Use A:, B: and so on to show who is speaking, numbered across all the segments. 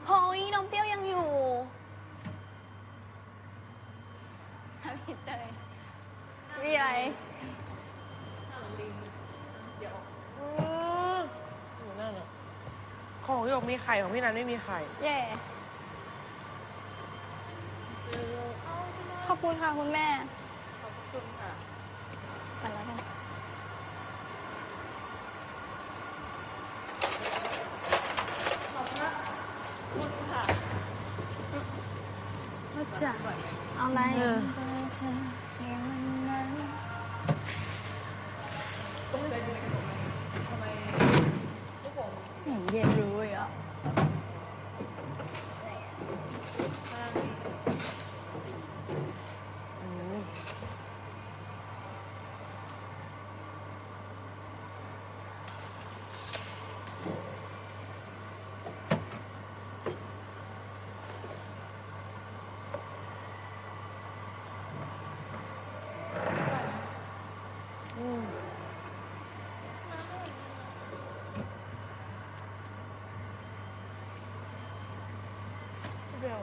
A: เฮ้ยน้องเปรี้ยวยังอยู่พี่เตยมีอะไร
B: นั่นอ่ะของหยกมีไข่ของพี่นันไม่มีไข่
A: เย่ขอบคุณค่ะคุณแม่ขอบคุณค่ะไปแล้วกันขอบคุณค่ะว่าจะเอาอะไรเย็นรู้อ่ะ
B: เปรี้ยว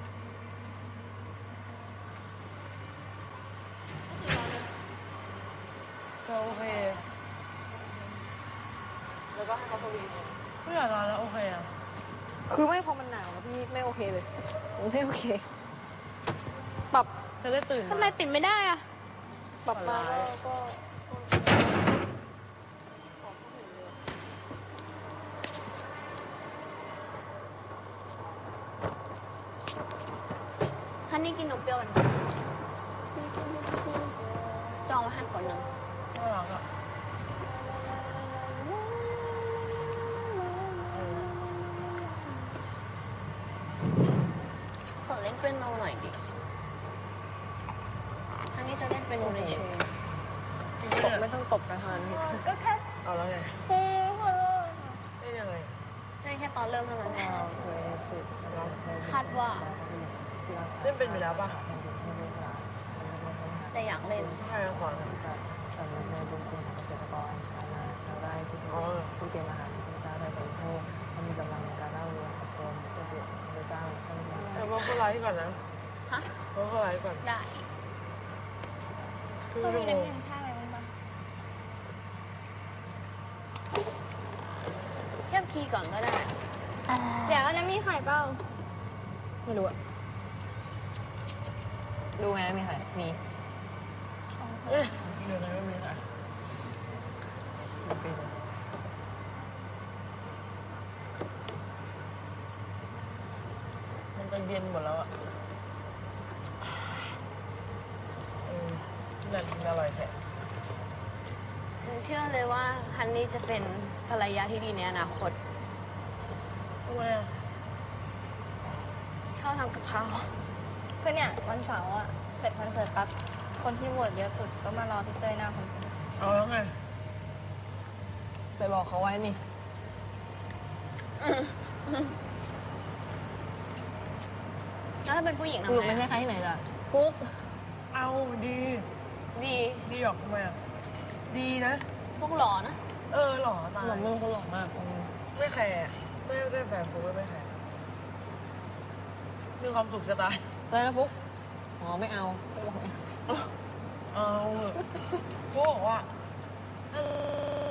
B: ก็โอเคแล้วก็ให้เขาสวีทไม่อยากนอนแล้วโอเคอ่ะคือไม่พอมันหนาวแล้วพี่ไม่โอเคเลยไม่โอเคปรับจะได้ตื่น
A: ทำไมปิดไม่ได้อ่ะ
B: ปรับมาก็
A: ฮันนี่กินนมเปรี้ยวมันก่อนจองไว้ให้คนหนึ่ง
B: น่ารักอ่ะ
A: ขอเล่นเป็นโนหน่อยดิฮันนี่จะเล่นเป็นโนในเชน
B: ตบไม่ต้องตบนะฮัน
A: ก็แค่
B: เอาแล้วไง
A: โอ้โห
B: ได้ยังไง
A: ใช่แค่ตอนเริ่มเท่านั้นแหละ
B: เรา
A: คาดว่า
B: เล่นเป็นไปแล้วป่ะ
A: แต่อยากเล่น
B: ใช่ขอนะอ๋อ
C: ผู้เตรียมอาหารที่พระเจ้าได้บริโภคให้มีกำลังในการเล่าเรื่องของตนเพื่อเกิดพระเจ้าท่าน
B: เดี๋ยวมาเข้าไลฟ์ก่อนนะ
A: ฮะ
B: มาเข้าไลฟ์ก่อน
A: ได้
B: ครึ่ง
A: ก็
B: ชั่
A: มี
B: วโม
A: น้ำ
B: ง
A: เย็นชาอะไรบ้างเทียบคีย์ก่อนก็ได้ เดี๋ยวน้ำมีไข่เปล่า
C: ไม่รู้อะดูไหมมีใครมี
B: เอ๊ะเดี๋ยวไหนไม่มีค่ะมันจะเย็นหมดแล้วอ่ะนั่นอร่อยแท้
A: ฉันเชื่อเลยว่าฮันนี่จะเป็นภรรยาที่ดีในอนาคต
B: ทำไมอ่ะ
A: ชอบทำกับข้าวก็เนี่ยวันเสาร์อะเสร็จคอนเสิร์ตปั๊บคนที่โหวตเยอะสุดก็มารอพี่เต้ยหน้าคอนเสิร์ต
B: เอาแล้วไง
C: ไปบอกเขาไว้นี่
A: แล้วถ้าเป็นผู้หญิง
C: ส
A: ทำ
C: รุป
A: ไง
C: ไม่ใช่
A: อะ
C: ใครที่ไหนจ้ะฟุก
B: เอาดี
A: ดี
B: ดีหรอกทำไมอ่ะ ดีนะ
A: พวกหล่อนะ
B: หล่อตาย
C: หล่อมึงเขาหล่อมาก
B: ไม่แคร์ไม่ได้แฟนฟุกไม่แคร์มีความสุขจะตาย
C: เลยนะฟุกอ๋อไม่เอาฟุกบอกไม่เอา
B: เอาฟุกบอกว่า